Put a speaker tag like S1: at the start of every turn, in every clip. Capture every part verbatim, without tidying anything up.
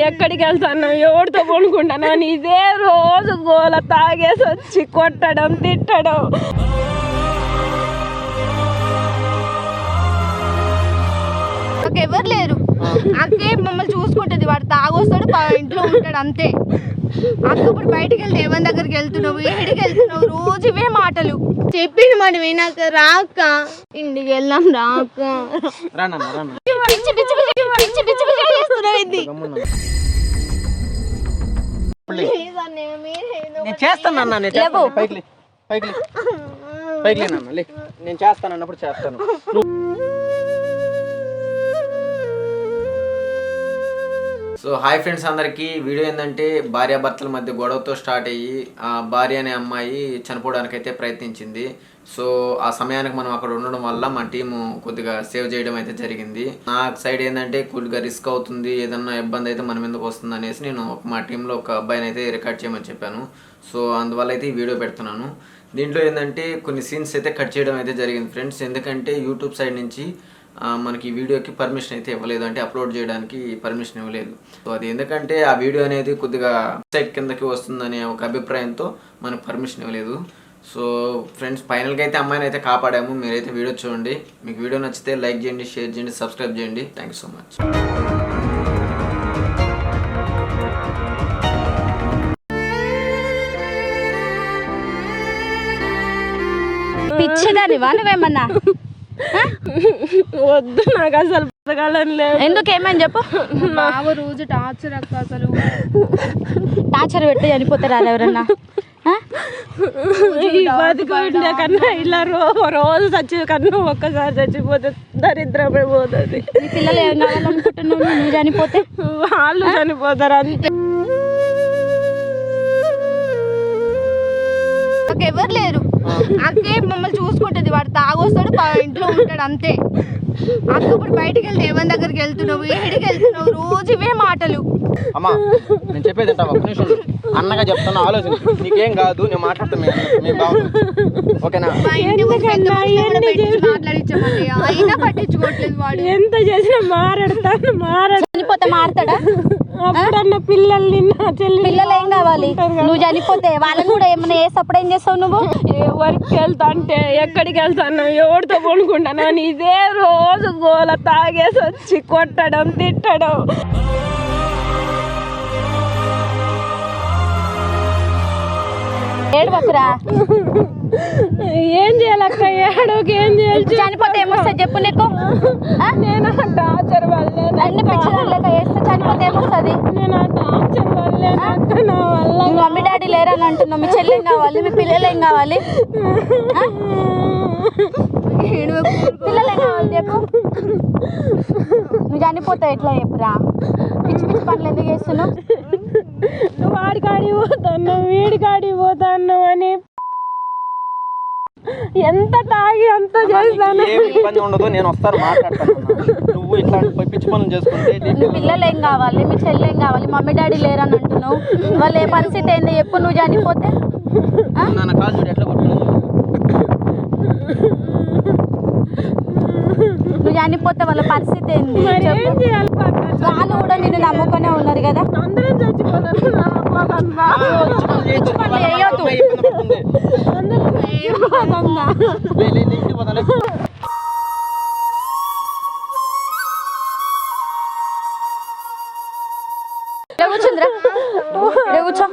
S1: ఎక్కడికి వెళ్తాను, ఎవరితో కొనుక్కుంటాను అని ఇదే రోజు గోల. తాగేసి వచ్చి కొట్టడం, తిట్టడం.
S2: ఎవరు లేరు, అక్కే మమ్మల్ని చూసుకుంటుంది. వాడు తాగొస్తాడు, ఇంట్లో ఉంటాడు, అంతే. అక్క ఇప్పుడు బయటకు వెళ్తే ఎవరి దగ్గరికి వెళ్తున్నావు, ఏడికి వెళ్తున్నావు, రోజు ఇవే మాటలు. చెప్పింది మరి వినాక రాక ఇంటికి వెళ్దాం రాక పిచ్చి పిచ్చి పిచ్చి పిచ్చి పిచ్చి పిచ్చి చేస్తున్నావు. ఇది
S3: నేను చేస్తాను, నేను చేస్తాను అన్నప్పుడు చేస్తాను. సో హాయ్ ఫ్రెండ్స్ అందరికీ. వీడియో ఏంటంటే భార్యాభర్తల మధ్య గొడవతో స్టార్ట్ అయ్యి ఆ భార్య అనే అమ్మాయి చనిపోవడానికి అయితే ప్రయత్నించింది. సో ఆ సమయానికి మనం అక్కడ ఉండడం వల్ల మా టీము కొద్దిగా సేవ్ చేయడం అయితే జరిగింది. నా సైడ్ ఏంటంటే కొద్దిగా రిస్క్ అవుతుంది, ఏదన్నా ఇబ్బంది అయితే మన మీదకి వస్తుంది అనేసి నేను మా టీంలో ఒక అబ్బాయిని అయితే రికార్డ్ చేయమని చెప్పాను. సో అందువల్ల అయితే ఈ వీడియో పెడుతున్నాను. దీంట్లో ఏంటంటే కొన్ని సీన్స్ అయితే కట్ చేయడం అయితే జరిగింది ఫ్రెండ్స్. ఎందుకంటే యూట్యూబ్ సైడ్ నుంచి మనకి ఈ వీడియోకి పర్మిషన్ అయితే ఇవ్వలేదు, అంటే అప్లోడ్ చేయడానికి పర్మిషన్ ఇవ్వలేదు. సో అది ఎందుకంటే ఆ వీడియో అనేది కొద్దిగా సైట్ కిందకి వస్తుందనే ఒక అభిప్రాయంతో మనకు పర్మిషన్ ఇవ్వలేదు. సో ఫ్రెండ్స్ ఫైనల్గా అయితే అమ్మాయిని అయితే కాపాడాము. మీరైతే వీడియో చూడండి. మీకు వీడియో నచ్చితే లైక్ చేయండి, షేర్ చేయండి, సబ్స్క్రైబ్ చేయండి. Thank you so much.
S2: పిచ్చిదానివా నువ్వేమన్నా?
S1: వద్దు, నాకు అసలు బతకాలని లేదు.
S2: ఎందుకు ఏమని చెప్పు. బావ రోజు టార్చర్ అక్క, అసలు టార్చర్ పెట్టి చనిపోతారా ఎవరన్నా?
S1: బతికుండే కన్నా ఇలా రో రోజు చచ్చి కన్నా ఒక్కసారి చచ్చిపోతే దరిద్రమే పోతుంది.
S2: పిల్లలు ఏం కావాలనుకుంటున్నావు? నువ్వు చనిపోతే
S1: వాళ్ళు చనిపోతారు అంతే.
S2: ఎవరు లేరు, అక్కే మమ్మల్ని చూసుకుంటుంది. వాడు తాగొస్తాడు, ఇంట్లో ఉంటాడు, అంతే. అక్క ఇప్పుడు బయటకు వెళ్తే ఎవరి దగ్గరికి వెళ్తున్నావు, ఏడికి వెళ్తున్నావు, రోజు ఇవే మాటలు.
S3: అమ్మా నేను చెప్పేది ఒక నిమిషం అన్నగా చెప్తాను, ఆలోచించు. నీకేం కాదు, నేను మాట్లాడతాను. ఓకేనా?
S2: మాట్లాడించమండి, అయినా పట్టించుకోవట్లేదు వాడు.
S1: ఎంత చేసినా మారాడతాను. మారా
S2: చనిపోతే మారతాడా?
S1: అప్పుడన్న పిల్లల్ని నా చెల్లి
S2: పిల్లలు ఏం కావాలి? నువ్వు చనిపోతే వాళ్ళని కూడా ఏమైనా వేసి అప్పుడు ఏం చేస్తావు నువ్వు?
S1: ఎవరికి వెళ్తా అంటే ఎక్కడికి వెళ్తాను, ఎవరితో కొనుక్కుంటాను అని ఇదే రోజు గోల. తాగేసి వచ్చి కొట్టడం, తిట్టడం.
S2: ఏడవకురా.
S1: ఏం చేయాలక్క? ఏడోకి ఏం చేయాలి?
S2: చనిపోతే ఏమొస్తుంది చెప్పు నీకు?
S1: నేను ఆ టార్చర్ వల్లే
S2: అన్ని పిచ్చిదానిలేక వేస్తే చనిపోతే ఏమొస్తుంది?
S1: నేను ఆ టార్చర్ వల్లే అక్క, నా వల్ల.
S2: మీ మమ్మీ డాడీ లేరని అంటున్నావు. మీ చెల్లి ఏం కావాలి? మీ పిల్లలు ఏం కావాలి? పిల్లలు ఏం కావాలి చెప్పు. నువ్వు చనిపోతావు ఎట్లా చెప్పురా? పిచ్చి పిచ్చి పనులు ఎందుకు చేస్తున్నావు?
S1: వాడికాడి పోతాను, వీడికాడి పోతాను అని ఎంత తాగి అంత చేస్తాను.
S3: ఇబ్బంది ఉండదు, నేను వస్తాను, మాట్లాడతాను. నువ్వు ఇట్లాంటి పిచ్చి పనులు చేసుకుంటే.
S2: మీ పిల్లలు ఏం కావాలి? మీ చెల్లి ఏం కావాలి? మమ్మీ డాడీ లేరని అంటున్నావు. వాళ్ళు ఏ పరిస్థితి ఏంది చెప్పు. నువ్వు చనిపోతే
S3: నా కాలు చూడు ఎట్లా కొట్టున్నావు.
S2: నువ్వు చనిపోతే వాళ్ళ పరిస్థితి ఏంది? వాళ్ళు కూడా నిన్ను నమ్ముకునే ఉన్నారు కదా.
S1: అందరం చచ్చిపోతారు.
S2: కూర్చుందిరా, కూర్చో.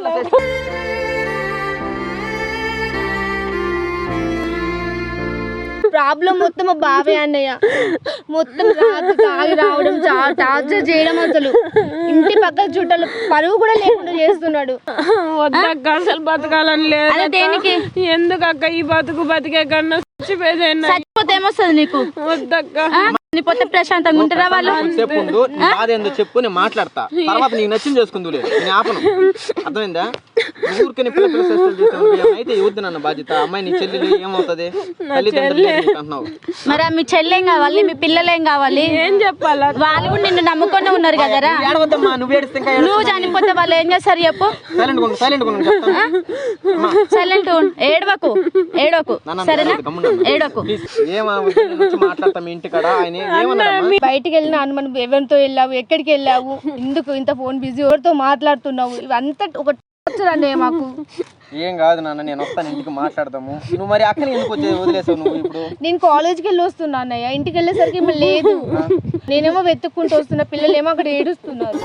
S2: ప్రాబ్లం మొత్తం మా బావే అన్నయ్య. మొత్తం రాత్రి తాగి రావడం, టార్చర్ చేయడం, అసలు ఇంటి పక్కన చుట్టాలు పరువు కూడా లేకుండా చేస్తున్నాడు.
S1: వద్దక్క, అసలు బతకాలని లేదు.
S2: దేనికి?
S1: ఎందుకక్క ఈ బతుకు బతికే కన్నా
S2: చచ్చిపోతే ఏమొస్తుంది నీకు?
S1: వద్దక్క,
S2: చనిపోతే ప్రశాంతంగా ఉంటారా వాళ్ళు?
S3: చెప్పు, బాధేందో చెప్పు, నేను మాట్లాడతా. తర్వాత నీకు నచ్చింది చేసుకుందు, నేను ఆపను. అర్థమైందా? ఊరికే పిల్ల పిల్ల చేస్తాను అయితే ఇవ్వద్దు నన్ను బాధ్యత. అమ్మాయి నీ చెల్లెలు ఏమవుతుంది? అంటున్నావు.
S2: మరి మీ చెల్లెం కావాలి? మీ పిల్లలేం కావాలి?
S1: ఏం చెప్పాలి?
S2: వాళ్ళు కూడా నిన్ను నమ్ముకొని ఉన్నారు కదరా. నువ్వు చనిపోతే వాళ్ళు ఏం చేస్తారు చెప్పు? సైలెంట్ ఏడవకు, ఏడవకు, సరేనా? ఏడవకు.
S3: మాట్లాడతాం ఇంటి కాడ. ఆయన
S2: బయటికి వెళ్ళిన మనం ఎవరితో వెళ్ళావు, ఎక్కడికి వెళ్ళావు, ఎందుకు ఇంత ఫోన్ బిజీ, ఎవరితో మాట్లాడుతున్నావు, ఇవంతా ఒక టార్చర్ అన్నయ్య మాకు.
S4: ఏం కాదు నాన్న, నేను వస్తాను, ఇంటికి మాట్లాడదాము. నువ్వు మరి అక్కని ఎందుకు వచ్చే వదిలేసావు నువ్వు ఇప్పుడు?
S2: నేను కాలేజ్కి వెళ్ళి వస్తున్నా అన్నయ్య, ఇంటికి వెళ్ళేసరికి మళ్ళీ లేదు. నేనేమో వెతుక్కుంటూ వస్తున్నా, పిల్లలేమో అక్కడ ఏడుస్తున్నారు.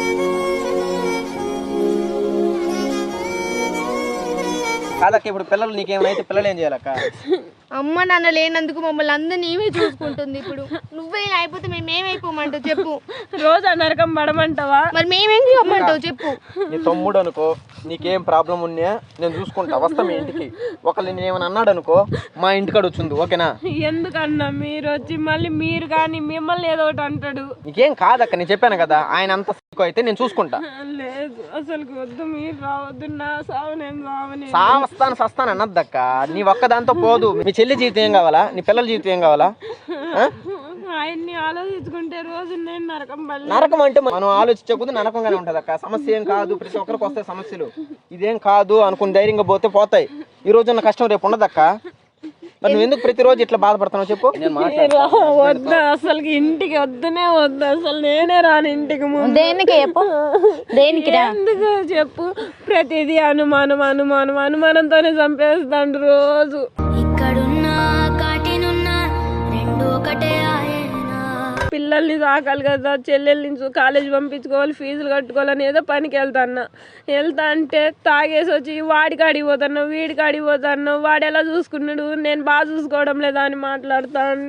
S4: కాదక్క, ఇప్పుడు పిల్లలు నీకేమైతే పిల్లలు ఏం చేయాలక్క?
S2: అమ్మ నాన్న లేనందుకు మమ్మల్ని అందరు నీవే చూసుకుంటుంది. ఇప్పుడు నువ్వే ఇలా అయిపోతే మేము ఏమైపోమంటావు చెప్పు?
S1: రోజు నరకం పడమంటావా?
S2: మరి మేమేం చెప్పమంటావు చెప్పు?
S4: నీ తమ్ముడు అనుకో, నీకేం ప్రాబ్లం ఉన్నా నేను చూసుకుంటా, వస్తా మీ ఇంటికి. ఒకళ్ళు నేను ఏమైనా అన్నాడు అనుకో, మా ఇంటికాడ వచ్చింది, ఓకేనా?
S1: ఎందుకన్నా మీరు వచ్చి మళ్ళీ మీరు కానీ మిమ్మల్ని ఏదో ఒకటి అంటాడు.
S4: నీకేం కాదక్క, నేను చెప్పాను కదా, ఆయన అంత అయితే నేను చూసుకుంటా.
S1: లేదు అసలు వద్దు, మీరు రావద్దు, నా సావు నేను సావని.
S4: సావస్తాను సస్తాను అన్నద్దక్క, నీ ఒక్కదాంతో పోదు. మీ చెల్లి జీవితం ఏం కావాలా? నీ పిల్లల జీవితం ఏం కావాలా?
S1: ఆయన్ని ఆలోచించుకుంటే రోజు నేను నరకం పడలేదు.
S4: నరకం అంటే మనం ఆలోచించకపోతే నరకంగానే ఉంటది అక్క. సమస్య ఏం కాదు, ప్రతి ఒక్కరికి వస్తాయి సమస్యలు. ఇదేం కాదు అనుకుని ధైర్యంగా పోతే పోతాయి. ఈ రోజు ఉన్న కష్టం రేపు ఉండదక్క. మరి నువ్వు ఎందుకు ప్రతిరోజు ఇట్లా బాధపడుతున్నావు చెప్పు?
S1: వద్దా అసలు, ఇంటికి వద్దునే వద్దు అసలు, నేనే రాను ఇంటికి.
S2: దేనికి చెప్పు? దేనికి
S1: ఎందుకు చెప్పు? ప్రతిదీ అనుమానం అనుమానం అనుమానంతోనే చంపేస్తాడు రోజు. పిల్లల్ని సాకాలి కదా, చెల్లెల్ని కాలేజ్ పంపించుకోవాలి, ఫీజులు కట్టుకోవాలని ఏదో పనికి వెళ్తాన్నా. వెళ్తా అంటే తాగేసి వచ్చి వాడికి అడిగిపోతాను, వీడికి అడిగిపోతాను, వాడు ఎలా చూసుకున్నాడు, నేను బాగా చూసుకోవడం లేదా అని మాట్లాడతాను.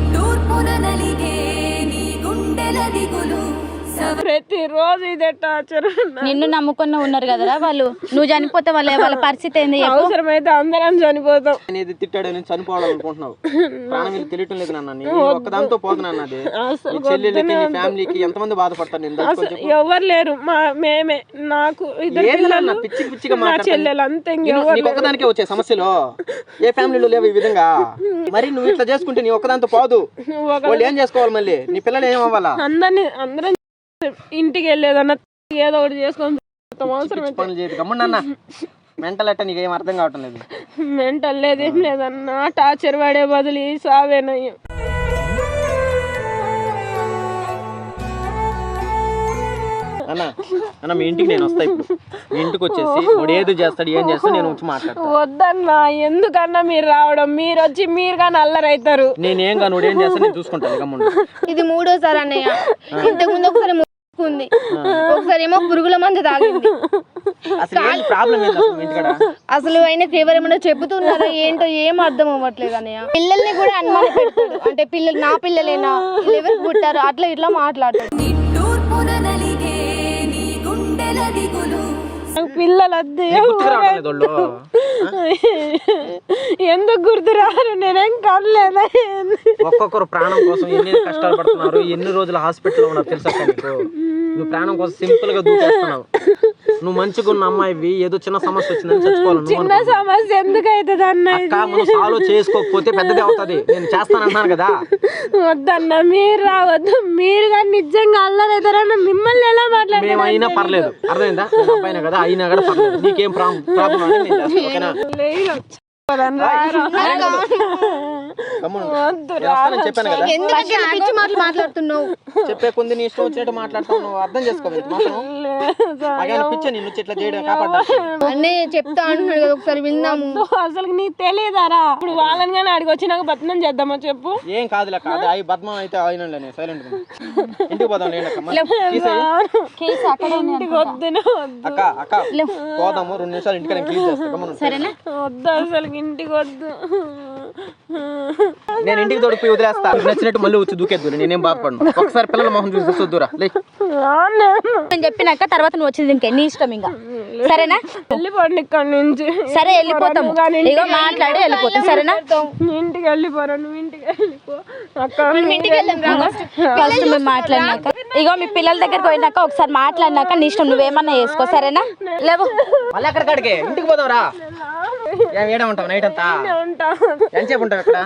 S1: ప్రతిరోజు ఇదే టార్చర్.
S2: నిన్ను నమ్ముకున్న ఉన్నారు కదరా వాళ్ళు, నువ్వు చనిపోతే వాళ్ళ వాళ్ళ పరిస్థితి ఏంది?
S1: అవసరమైతే అందరం చనిపోతాం.
S4: అనేది తిట్టాడు నేను చనిపోవాలనుకుంటున్నావు, ప్రాణం మీద తెలియటం లేదు నాన్న. నేను ఒక్కదాంతో పోతున్నాను. అది చెల్లెలకి నీ ఫ్యామిలీకి ఎంతమంది బాధపడతారు? నేను
S1: ఎవరు లేరు, మా మేమే. నాకు ఇద్దరు
S4: పిచ్చి పిచ్చిగా
S1: మా చెల్లెలు అంతే.
S4: ఒక్కదానికే వచ్చే సమస్యలు ఏ ఫ్యామిలీలో లేవు ఈ విధంగా. మరి నువ్వు ఇట్లా చేసుకుంటే నీ ఒక్కదాంతో పోదు, వాళ్ళు ఏం చేసుకోవాలి? మళ్ళీ నీ పిల్లలు ఏం అవ్వాలా?
S1: అందరినీ అందరం ఇంటికి వెళ్ళేదన్నా ఏదో ఒకటి చేసుకొని
S4: పనులు చేయదు. గమ్మున్నా మెంటల్ అట్ట నీకేం అర్థం కావటం లేదు.
S1: మెంటల్ లేదేం లేదన్నా, టార్చర్ పడే బదులు సావేనయ్యం.
S4: అన్న అన్న మీ ఇంటికి నేను వస్తా ఇప్పుడు. మీ ఇంటికి వచ్చేసి వాడు ఏది చేస్తాడు ఏం చేస్తాడు నేను వచ్చి మాట్లాడతాను.
S1: వద్దన్నా, ఎందుకన్నా మీరు రావడం? మీరు వచ్చి మీరు కానీ అల్లరైతారు.
S4: నేనేం కానీ వాడు ఏం చేస్తాను నేను చూసుకుంటాను. గమ్మున
S2: ఇది మూడోసారి అన్నయ్య. ఇంతకు ముందు ఒకసారి ఉంది, ఒకసారి ఏమో పురుగుల మందు తాగింది. అసలు ఆయనకి ఎవరేమన్నా చెబుతున్నారా ఏంటో ఏం అర్థం అవ్వట్లేదు అన్నయ్య. పిల్లల్ని కూడా అనుమానం పెడతాడు, అంటే పిల్లలు నా పిల్లలేనా, ఎవరికి పుట్టారు, అట్లా ఇట్లా మాట్లాడతాడు.
S1: పిల్లలు వద్దు, ఎందుకు గుర్తురారు? నేనేం కనలేదా?
S4: ఒక్కొక్కరు ప్రాణం కోసం ఎన్ని కష్టాలు పడుతున్నారు, ఎన్ని రోజులు హాస్పిటల్లో ఉన్నారు తెలుసా నీకు? నువ్వు ప్రాణం కోసం సింపుల్ గా దూకేస్తున్నావు. నువ్వు మంచిగా ఉన్న అమ్మాయివి ఏదో చిన్న సమస్య వచ్చిందని చచ్చిపోవాలి.
S1: చిన్న సమస్య ఎందుకు అవుతుంది అన్న?
S4: మనం సాల్వ్ చేసుకోకపోతే పెద్దది అవుతుంది. నేను చేస్తానన్నాను కదా.
S2: వద్దన్న మీరు రావద్దు. మీరు కానీ నిజంగా అల్లరైతారన్న మిమ్మల్ని ఎలా మాట్లాడారు?
S4: మేము అయినా పర్లేదు, అర్థమైందా? అబ్బాయినా కదా, అయినా కూడా పర్లేదు. నీకేం ప్రాబ్లం అని నేను చేస్తాను, ఓకేనా? చెప్పాను కదా,
S2: మాట్లాడుతున్నావు
S4: చెప్పే కొంది నీ ఇష్టం వచ్చినట్టు మాట్లాడుతావు. నువ్వు అర్థం చేసుకోవాలి. పిచ్చ నిన్ను ఇట్లా చేయడం కాపాడు
S2: అన్నయ్య చెప్తా అంటున్నాడు కదా, ఒకసారి విందాము.
S1: అసలు నీకు తెలియదారా? ఇప్పుడు వాళ్ళని కానీ అడిగి వచ్చి నాకు బద్నం చేద్దామా చెప్పు?
S4: ఏం కాదులే, కాదు అవి బద్మం అయితే అయినా సైలెంట్ ఇంటికి పోదాం. అక్క అక్క పోదాము, రెండు నిమిషాలు ఇంటికి క్లీన్ చేస్తాను.
S1: వద్దు అసలు ఇంటికి వద్దు.
S4: నేను ఇంటికి తోడిపోయి వదిలేస్తా. నచ్చినట్టు మళ్ళీ వచ్చి దూకేద్దు, నేనేం బాధపడను. ఒకసారి పిల్లల మొహం చూసి చూద్దురా.
S2: నేను చెప్పినాక తర్వాత నువ్వు వచ్చింది ఇంకే నీ ఇష్టం, ఇంకా సరేనా?
S1: వెళ్ళిపోండి ఇక్కడ నుంచి.
S2: సరే వెళ్ళిపోతాము, ఇగో మాట్లాడి వెళ్ళిపోతాం, సరేనా?
S1: ఇంటికి వెళ్ళిపోరా, నువ్వు ఇంటికి వెళ్ళిపో.
S2: ఫస్ట్ మేము మాట్లాడినాక, ఇగో మీ పిల్లల దగ్గరికి పోయినాక ఒకసారి మాట్లాడినాక నీ ఇష్టం, నువ్వేమన్నా చేసుకో, సరేనా? లేవు
S4: మళ్ళీ ఎక్కడికాడికి ఇంటికి పోదావురా. ఏడా ఉంటావు నైట్ అంతా? ఎంతసేపు ఉంటావు ఇక్కడ?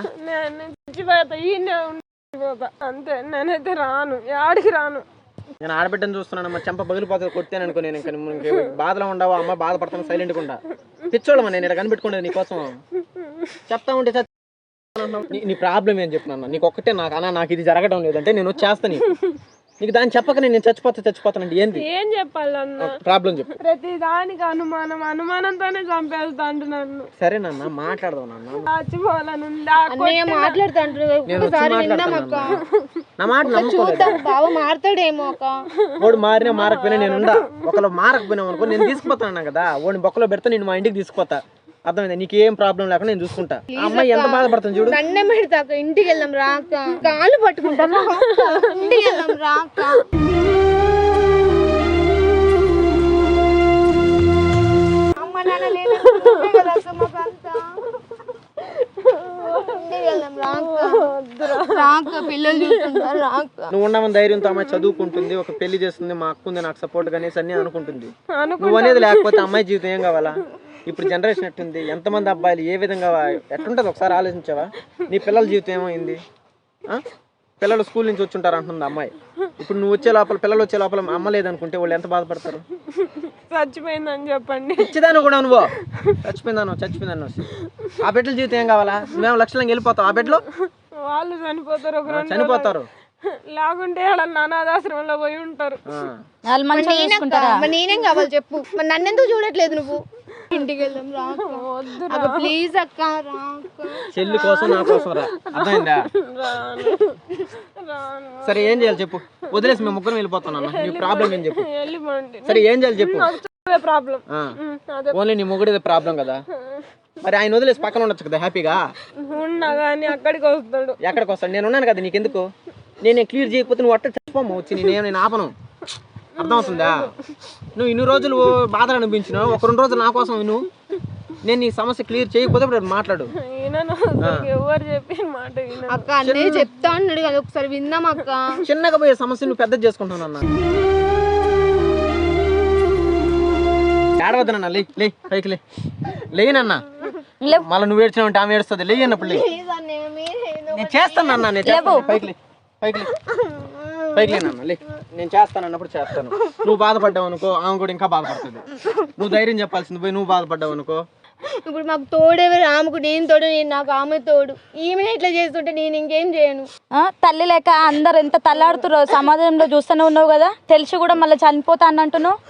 S1: అంతే, నేనైతే రాను, ఆడికి రాను.
S4: నేను ఆడబిడ్డను చూస్తున్నాను, మా చెంప పగిలిపోతుంది కొట్టాను అనుకో. నేను ఇంకా బాధలో ఉండవు, అమ్మ బాధపడతాను, సైలెంట్గా ఉంటా. పిచ్చోళ్ళమా నేను ఇలా కనిపెట్టుకునేది నీకోసం. చెప్తా ఉంటే నీ- నీ ప్రాబ్లం ఏం చెప్తున్నా నీకు ఒక్కటే నాకు అన్న నాకు ఇది జరగడం లేదంటే నేను వచ్చేస్తాను నీకు నీకు దాన్ని చెప్పక నేను చచ్చిపోతా చచ్చిపోతానండి ఏంది
S1: ఏం చెప్పాలన్నా
S4: ప్రాబ్లం చెప్పు.
S1: ప్రతి దానికి అనుమానం అనుమానంతోనే చంపేస్తాండు నన్ను.
S4: సరేనన్న మాట్లాడదాం నాన్న
S1: చచ్చిపోవాలనుంది. ఆ
S2: అన్నయ్య మాట్లాడుతాండ్రు
S4: నేను వచ్చి
S2: ఒకసారి విందాం అక్క.
S4: మాట్లాడతాను నా మాట నమ్ముకోలేదు
S2: చూద్దాం బావ మారుతాడేమో అక్క.
S4: వాడు మారినా మారకపోయినా నేను ఉండా ఒకళ్ళు మారకపోయినా అనుకో నేను తీసుకుపోతాను కదా వాడిని బొక్కలో పెడితే నేను మా ఇంటికి తీసుకుపోతా అర్థమైందా నీకు ఏం ప్రాబ్లం లేకుండా నేను చూసుకుంటా ఆ అమ్మాయి ఎంత బాధపడుతుంది చూడు
S2: దండం పెడతాక ఇంటికి వెళ్దాం రాక కాళ్ళు పట్టుకుంటాను ఇంటికి వెళ్దాం రాక అమ్మ నాన్న లేదు కదా అక్క మాకంతా. ఇంటికి వెళ్దాం రాక రాక పిల్లలు చూస్తుంటారు రాక.
S4: నువ్వు ఉండమని ధైర్యంతో అమ్మాయి చదువుకుంటుంది ఒక పెళ్లి చేస్తుంది మా అక్క ఉంది నాకు సపోర్ట్ అనేసి అన్ని అనుకుంటుంది నువ్వు అనేది లేకపోతే అమ్మాయి జీవితం ఏం కావాలా ఇప్పుడు జనరేషన్ ఎట్టుంది ఎంతమంది అబ్బాయిలు ఏ విధంగా ఎట్లుంటుంది ఒకసారి ఆలోచించావా నీ పిల్లల జీవితం ఏమైంది ఆ? పిల్లలు స్కూల్ నుంచి వచ్చి ఉంటారు అంటుంది అమ్మాయి ఇప్పుడు నువ్వు వచ్చే లోపల పిల్లలు వచ్చే లోపల అమ్మ లేదనుకుంటే వాళ్ళు ఎంత బాధపడతారు
S1: చచ్చిపోయిందని చెప్పండి.
S4: ఇచ్చిదాను కూడా నువ్వు చచ్చిపోయిందాను చచ్చిపోయిందాను ఆ బిడ్డల జీవితం ఏం కావాలా నువ్వేమో లక్షలంగా వెళ్ళిపోతావు ఆ బిడ్డలో
S1: వాళ్ళు చనిపోతారు ఒక రెండు
S4: చనిపోతారు
S1: లేకుంటే వాళ్ళ అనాథాశ్రమంలో పోయి ఉంటారు.
S4: ఆ.
S2: మరి నేనక్క మరి నేనేం కావాలి చెప్పు మరి నన్ను ఎందుకు చూడట్లేదు నువ్వు ఇంటికి వెళ్దాం రాక ప్లీజ్ అక్క రాక.
S4: చెల్లి కోసం నా కోసం రా అర్థమైందా
S1: రాను రాను
S4: సరే ఏం చేయాలి చెప్పు వదిలేసి మేము ముగ్గురం వెళ్ళిపోతాను అన్న నీ ప్రాబ్లం ఏం చెప్పు
S1: వెళ్ళిపోండి.
S4: సరే ఏం చేయాలి చెప్పు
S1: ప్రాబ్లం
S4: ఆ.
S1: అదే
S4: ఓన్లీ నీ మొగుడిదే ప్రాబ్లం కదా మరి ఆయన వదిలేసి పక్కన ఉండొచ్చు కదా హ్యాపీగా
S1: ఉన్నా కానీ అక్కడికి వస్తాడు.
S4: ఎక్కడికి వస్తాడు నేను ఉన్నాను కదా నీకెందుకు నేను క్లియర్ చేయకపోతే నువ్వు అట్ట చచ్చిపోము వచ్చి నేనేం నేను ఆపను అర్థమవుతుందా నువ్వు ఇన్ని రోజులు బాధలు అనిపించినావు ఒక రెండు రోజులు నా కోసం నువ్వు నేను నీ సమస్య క్లియర్ చేయకపోతే ఇప్పుడు మాట్లాడు
S1: ఈయనను ఎవరు చెప్పి మాట వినను.
S2: అక్క అన్నయ్య చెప్తా అన్నాడు కదా ఒకసారి విందాం అక్క.
S4: చిన్నగా పోయే సమస్య నువ్వు పెద్ద చేసుకుంటాను అన్న ఏడవద్దనన్నా లే లే పైకి లే లేనన్న మళ్ళీ నువ్వు ఏడ్చినావు ఆమె ఏడుస్తుంది లే అన్నప్పుడు లే
S2: ప్లీజ్ అన్నయ్య మీరే
S4: నేను చేస్తాను అన్న నేను చేస్తాను పైకి లే పైకి లే పైకి లేనన్న లే నేను చేస్తాను అన్నప్పుడు చేస్తాను నువ్వు బాధపడ్డావు అనుకో ఆమె కూడా ఇంకా బాధపడుతుంది నువ్వు ధైర్యం చెప్పాల్సింది పోయి నువ్వు బాధపడ్డావు అనుకో
S2: ఇప్పుడు మాకు తోడెవరు ఆమెకు నేను తోడు నేను నాకు ఆమె తోడు ఈమెను ఇట్లా చేస్తుంటే నేను ఇంకేం చేయను.
S5: ఆ, తల్లి లేక అందరు ఎంత తల్లాడుతురో సమాజంలో చూస్తూనే ఉన్నావు కదా తెలిసి కూడా మళ్ళీ చనిపోతా అన్నట్టున్నావు.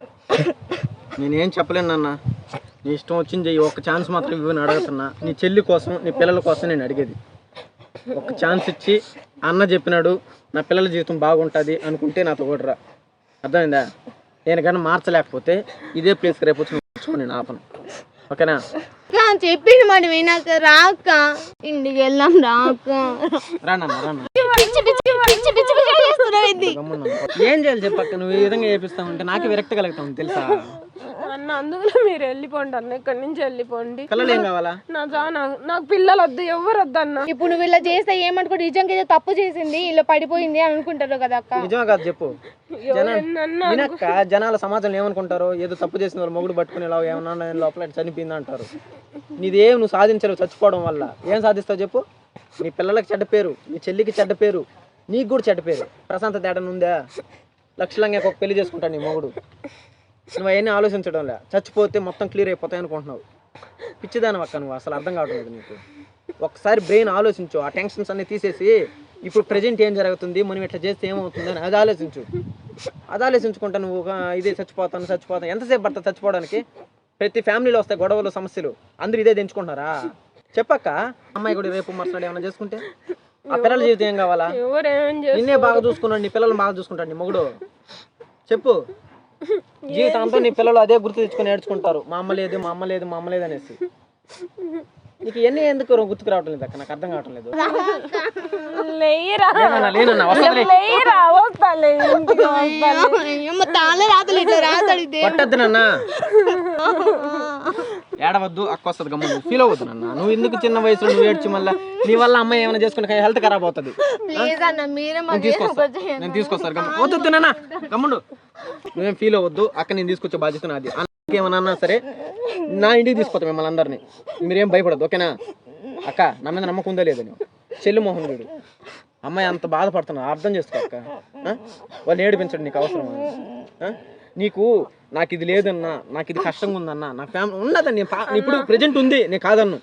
S4: నేనేం చెప్పలేను అన్న నీ ఇష్టం వచ్చింది చెయ్యి ఒక్క ఛాన్స్ మాత్రం ఇవ్వని అడుగుతున్నా నీ చెల్లి కోసం నీ పిల్లల కోసం నేను అడిగేది ఒక ఛాన్స్ ఇచ్చి అన్న చెప్పినాడు నా పిల్లల జీవితం బాగుంటుంది అనుకుంటే నాతో కూడా రా అర్థమైందా నేను కానీ మార్చలేకపోతే ఇదే ప్లేస్కి రేపు వచ్చి మార్చుకో నేను ఆపను ఓకేనా
S2: చెప్పిన మాట వినాక రాక ఇంటికి వెళ్ళాం రాక
S4: రానన్న రాన్న
S2: పిచ్చి పిచ్చి పిచ్చి పిచ్చి పిచ్చి చేస్తున్నావు ఇది.
S4: గమ్మున ఏం చేయాలి చెప్పక్క నువ్వు ఈ విధంగా చేపిస్తావంటే నాకే విరక్తి కలుగుతావు తెలుసా
S1: అన్న అందులో మీరు వెళ్ళిపోండి అన్న ఇక్కడి నుంచి వెళ్ళిపోండి.
S4: పిల్లలు ఏం కావాలా
S1: నా జా నాకు నాకు పిల్లలు వద్దు ఎవరు వద్దు అన్న.
S2: ఇప్పుడు నువ్వు ఇలా చేస్తే ఏమనుకో నిజంగా ఏదో తప్పు చేసింది ఇలా పడిపోయింది అని అనుకుంటారు కదా అక్క.
S4: నిజమే కాదు చెప్పు
S1: ఎవరన్నా
S4: వినక్క జనాల సమాజంలో ఏమనుకుంటారు ఏదో తప్పు చేసిన వాళ్ళు మొగుడు పట్టుకుని ఇలా ఏమన్నా లోపల చనిపోయింది అంటారు నీదేం నువ్వు సాధించలేవు చచ్చిపోవడం వల్ల ఏం సాధిస్తావు చెప్పు నీ పిల్లలకి చెడ్డ పేరు నీ చెల్లికి చెడ్డ పేరు నీకు కూడా చెడ్డ పేరు ప్రశాంత తేడా ఉందా లక్షలంగా ఒక పెళ్లి చేసుకుంటాను నీ మొగుడు నువ్వు అవన్నీ ఆలోచించడం లే చచ్చిపోతే మొత్తం క్లియర్ అయిపోతాయి అనుకుంటున్నావు పిచ్చిదాని అక్క నువ్వు అసలు అర్థం కావట్లేదు నీకు ఒకసారి బ్రెయిన్ ఆలోచించు ఆ టెన్షన్స్ అన్ని తీసేసి ఇప్పుడు ప్రజెంట్ ఏం జరుగుతుంది మనం ఇట్లా చేస్తే ఏమవుతుంది అని అది ఆలోచించు అది ఆలోచించుకుంటా నువ్వు ఇదే చచ్చిపోతాను చచ్చిపోతాను ఎంతసేపు పడుతుంది చచ్చిపోవడానికి ప్రతి ఫ్యామిలీలో వస్తాయి గొడవలు సమస్యలు అందరూ ఇదే తెంచుకుంటున్నారా చెప్పక్క అమ్మాయి కూడా రేపు మరుసనాడు ఏమైనా చేసుకుంటే ఆ పిల్లల జీవితం ఏం కావాలా
S1: ఎవరేం
S4: నిన్నే బాగా చూసుకున్నాడు నీ పిల్లలు బాగా చూసుకుంటాడు నీ మొగుడు చెప్పు జీవితాంతో నీ పిల్లలు అదే గుర్తు తెచ్చుకొని నేర్చుకుంటారు మా అమ్మ లేదు మా అమ్మ లేదు మా అమ్మ లేదు అనేసి నీకు ఇవన్నీ ఎందుకు గుర్తుకు రావటం లేదు అక్క నాకు అర్థం కావటం లేదు
S1: లేరా
S4: లేనన్నా లేనన్నా వస్తుంది
S1: లేరా వస్తాలే ఇంటికి వస్తాలే.
S2: అమ్మ తాళే రాతలు ఇట్లా రాతలు ఇదే
S4: పట్టద్దు నాన్న ఏడవద్దు అక్క వస్తుంది గమ్ము ఫీల్ అవ్వద్దు నాన్న నువ్వు ఎందుకు చిన్న వయసులో నువ్వు ఏడ్చి మళ్ళీ నీ వల్ల అమ్మాయి ఏమైనా చేసుకుంటే హెల్త్ ఖరాబ్ అవుతుంది
S2: ప్లీజ్ అన్న మీరే
S4: నేను
S2: మాకు
S4: తీసుకొస్తా నేను తీసుకొస్తాను గమ్ము వద్దు నాన్న గమ్ముడు నువ్వేం ఫీల్ అవ్వద్దు అక్క నేను తీసుకొచ్చే బాధ్యత నాది అన్నకి ఏమన్నా అన్నా సరే నా ఇంటికి తీసుకొస్తా మిమ్మల్ని అందరినీ మీరేం భయపడద్దు ఓకేనా అక్క నా మీద నమ్మకం ఉందా లేదా నువ్వు చెల్లి మోహన్ గడు అమ్మాయి అంత బాధపడుతున్నా అర్థం చేసుకో అక్క వాళ్ళు ఏడిపించడం నీకు అవసరమా నీకు నాకు ఇది లేదన్నా నాకు ఇది కష్టంగా ఉందన్నా నా ఫ్యామిలీ ఉన్నదని నేను ఇప్పుడు ప్రజెంట్ ఉంది నేను కాదన్ను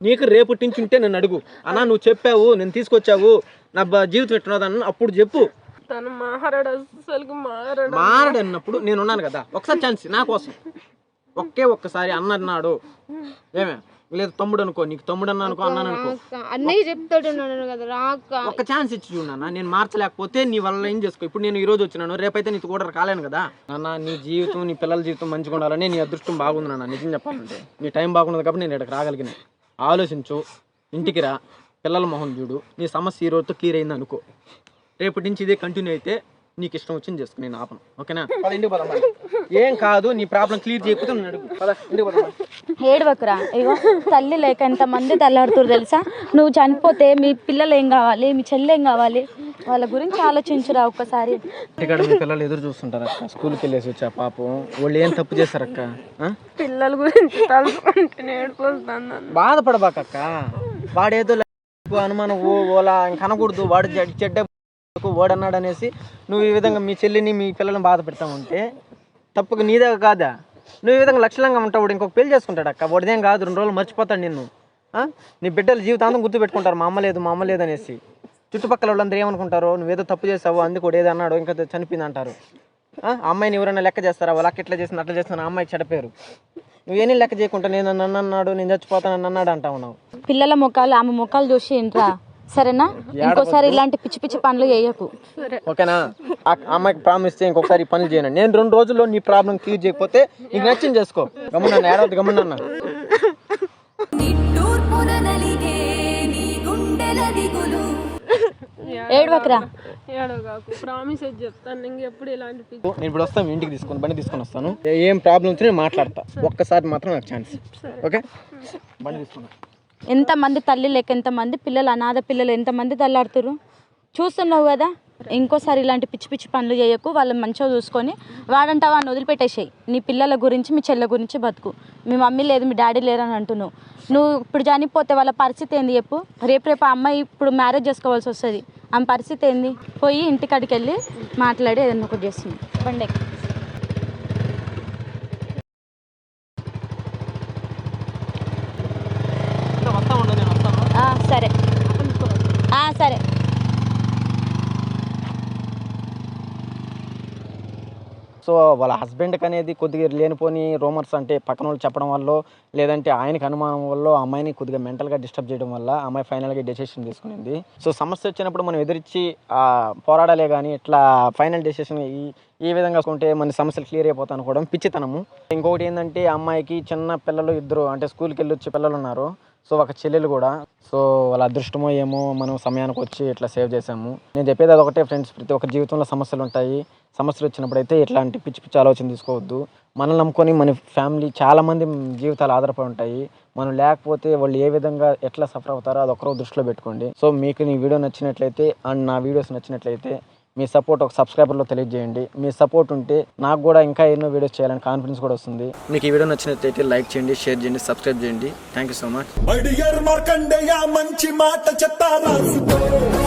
S4: నీకు రేపటి నుంచి ఉంటే నన్ను అడుగు, అన్నా నువ్వు చెప్పావు నేను తీసుకొచ్చావు నా బ- జీవితం ఎట్టున్నదన్న అప్పుడు చెప్పు.
S1: తను మారడు, అసలు మారడు.
S4: మారడు అన్నప్పుడు నేను ఉన్నాను కదా, ఒకసారి ఛాన్స్ నా కోసం, ఒకే ఒక్కసారి అన్న అన్నాడు ఏమే, లేదు తమ్ముడు అనుకో, నీకు తమ్ముడు అన్న అనుకో, అన్నాను అనుకో,
S2: అన్నయ్య చెప్తాడు కదా రాక,
S4: ఒక ఛాన్స్ ఇచ్చి చూడన్నా. నేను మార్చలేకపోతే నీ వల్ల ఏం చేసుకో. ఇప్పుడు నేను ఈ రోజు వచ్చినాను, రేపైతే నీకు కూడా కాలేను కదా నాన్న. నీ జీవితం నీ పిల్లల జీవితం మంచిగా ఉండాలని నీ అదృష్టం బాగుంది నాన్న. నిజం చెప్పాలంటే నీ టైం బాగుండదు కాబట్టి నేను ఇక్కడికి రాగలిగిన. ఆలోచించు, ఇంటికి రా, పిల్లల మొహం చూడు, నీ సమస్య ఈ రోజుతో క్లియర్ అయింది అనుకో. రేపటి నుంచి ఇదే కంటిన్యూ అయితే నీకు ఇష్టం వచ్చింది చేసుకో, నేను ఆపను. ఓకేనా? పద ఇంటికి పోదాం. ఏం కాదు, నీ ప్రాబ్లం క్లియర్ చేయకపోతే నేను అడుగు. పద ఇంటికి పోదాం.
S5: ఏడవకురా, ఇగో తల్లి లేక ఎంతమంది తల్లాడుతురు తెలుసా. నువ్వు చనిపోతే మీ పిల్లలు ఏం కావాలి, మీ చెల్లె ఏం కావాలి, వాళ్ళ గురించి ఆలోచించురా ఒక్కసారి.
S4: ఇక్కడ మీ పిల్లలు ఎదురు చూస్తుంటారు అక్క, స్కూల్కి వెళ్ళేసి వచ్చా పాపం. వాళ్ళు ఏం తప్పు చేశారక్క?
S1: పిల్లల గురించి తలుచుకుంటే ఏడుపు వస్తుంది.
S4: బాధపడబాకక్క, వాడేదో అనుమానం ఓ ఓలా ఇంక అనకూడదు, వాడు చెడ్డ- చెడ్డ ఓడన్నాడు అనేసి నువ్వు ఈ విధంగా మీ చెల్లిని మీ పిల్లల్ని బాధ పెడతా ఉంటే తప్పుగా నీదే కాదా. నువ్వు ఈ విధంగా లక్షణంగా ఉంటావు, ఇంకొక పెళ్లి చేసుకుంటాడు అక్క. వాడిదేం కాదు, రెండు రోజులు మర్చిపోతాడు నిన్ను. నీ బిడ్డల జీవితాంతం గుర్తు పెట్టుకుంటారు, మా అమ్మ లేదు మా అమ్మ లేదు అనేసి. చుట్టుపక్కల వాళ్ళందరూ ఏమనుకుంటారో, నువ్వేదో తప్పు చేసావు అందుకు వాడు ఏదో అన్నాడు ఇంకా చనిపోయింది అంటారు. ఆ అమ్మాయిని ఎవరైనా లెక్క చేస్తారా, వాళ్ళకి ఎట్లా చేసిన అట్లా చేస్తున్నా అమ్మాయికి చెడపేరు. నువ్వేనీ లెక్క చేయకుండా నేను నన్ను అన్నాడు, నేను చచ్చిపోతాను నన్ను అన్నాడు అంటావు. నువ్వు
S5: పిల్లల ముఖాలు ఆమె ముఖాలు చూసి ఇంట్రా, సరేనా? ఇంకోసారి ఇలాంటి పిచ్చి పిచ్చి పనులు చేయకు,
S4: ఓకేనా? ఆ అమ్మాయికి ప్రామిస్ చేయి ఇంకొకసారి ఈ పనులు చేయను. నేను రెండు రోజుల్లో నీ ప్రాబ్లం క్లియర్ చేయకపోతే నీకు నచ్చింది చేసుకో. గమ్మున్నా ఏడవద్దు, గమ్మున్నా.
S5: ఏడవకురా.
S1: ఏడవగాకు, ప్రామిస్ చెప్తాను ఇంకెప్పుడు ఇలాంటి పిచ్చి.
S4: నేను ఇప్పుడు వస్తాను, ఇంటికి తీసుకొని బండి తీసుకొని వస్తాను. ఏం ప్రాబ్లం వచ్చి నేను మాట్లాడతా, ఒక్కసారి మాత్రం నాకు ఛాన్స్. ఓకే, బండి తీసుకున్నా.
S5: ఎంతమంది తల్లి లేక ఎంతమంది పిల్లలు, అనాథ పిల్లలు ఎంతమంది తల్లాడుతురు చూస్తున్నావు కదా. ఇంకోసారి ఇలాంటి పిచ్చి పిచ్చి పనులు చేయకు, వాళ్ళని మంచిగా చూసుకొని వాడంటా వాడిని వదిలిపెట్టేసాయి. నీ పిల్లల గురించి మీ చెల్లె గురించి బతుకు. మీ మమ్మీ లేదు మీ డాడీ లేరు అని అంటున్నావు. నువ్వు ఇప్పుడు చనిపోతే వాళ్ళ పరిస్థితి ఏంది చెప్పు. రేపు రేపు ఆ అమ్మాయి ఇప్పుడు మ్యారేజ్ చేసుకోవాల్సి వస్తుంది, ఆమె పరిస్థితి ఏంది? పోయి ఇంటికాడికి వెళ్ళి మాట్లాడి ఏదన్నా ఒకటి చేస్తుంది. బండి ఎక్కు.
S4: వస్తా ఉండదు, నేను వస్తాను.
S5: ఆ, సరే ఆ, సరే.
S4: సో వాళ్ళ హస్బెండ్కి అనేది కొద్దిగా లేనిపోని రూమర్స్, అంటే పక్కన వాళ్ళు చెప్పడం వల్ల లేదంటే ఆయనకి అనుమానం వల్ల అమ్మాయిని కొద్దిగా మెంటల్గా డిస్టర్బ్ చేయడం వల్ల అమ్మాయి ఫైనల్గా డెసిషన్ తీసుకునింది. సో సమస్య వచ్చినప్పుడు మనం ఎదిరించి పోరాడాలే కానీ ఇట్లా ఫైనల్ డెసిషన్ ఈ ఈ విధంగా ఉంటే మన సమస్యలు క్లియర్ అయిపోతాయి అనుకోవడం పిచ్చితనము. ఇంకొకటి ఏంటంటే అమ్మాయికి చిన్న పిల్లలు ఇద్దరు, అంటే స్కూల్కి వెళ్ళి వచ్చే పిల్లలు ఉన్నారు. సో ఒక చెల్లెలు కూడా. సో వాళ్ళ అదృష్టమో ఏమో మనం సమయానికి వచ్చి ఇట్లా సేవ్ చేసాము. నేను చెప్పేది అదొకటే ఫ్రెండ్స్, ప్రతి ఒక్క జీవితంలో సమస్యలు ఉంటాయి. సమస్యలు వచ్చినప్పుడు అయితే ఇట్లాంటి పిచ్చి పిచ్చి ఆలోచన తీసుకోవద్దు. మనల్ని నమ్ముకొని మన ఫ్యామిలీ చాలామంది జీవితాలు ఆధారపడి ఉంటాయి. మనం లేకపోతే వాళ్ళు ఏ విధంగా ఎట్లా సఫర్ అవుతారో అది ఒకరో దృష్టిలో పెట్టుకోండి. సో మీకు నీ వీడియో నచ్చినట్లయితే అండ్ నా వీడియోస్ నచ్చినట్లయితే మీ సపోర్ట్ ఒక సబ్స్క్రైబర్లో తెలియజేయండి. మీ సపోర్ట్ ఉంటే నాకు కూడా ఇంకా ఎన్నో వీడియోస్ చేయాలని కాన్ఫిడెన్స్ కూడా వస్తుంది. మీకు ఈ వీడియో నచ్చినట్లయితే లైక్ చేయండి, షేర్ చేయండి, సబ్స్క్రైబ్ చేయండి. Thank you so much.
S6: Markandeya మంచి మాట చెప్తారా.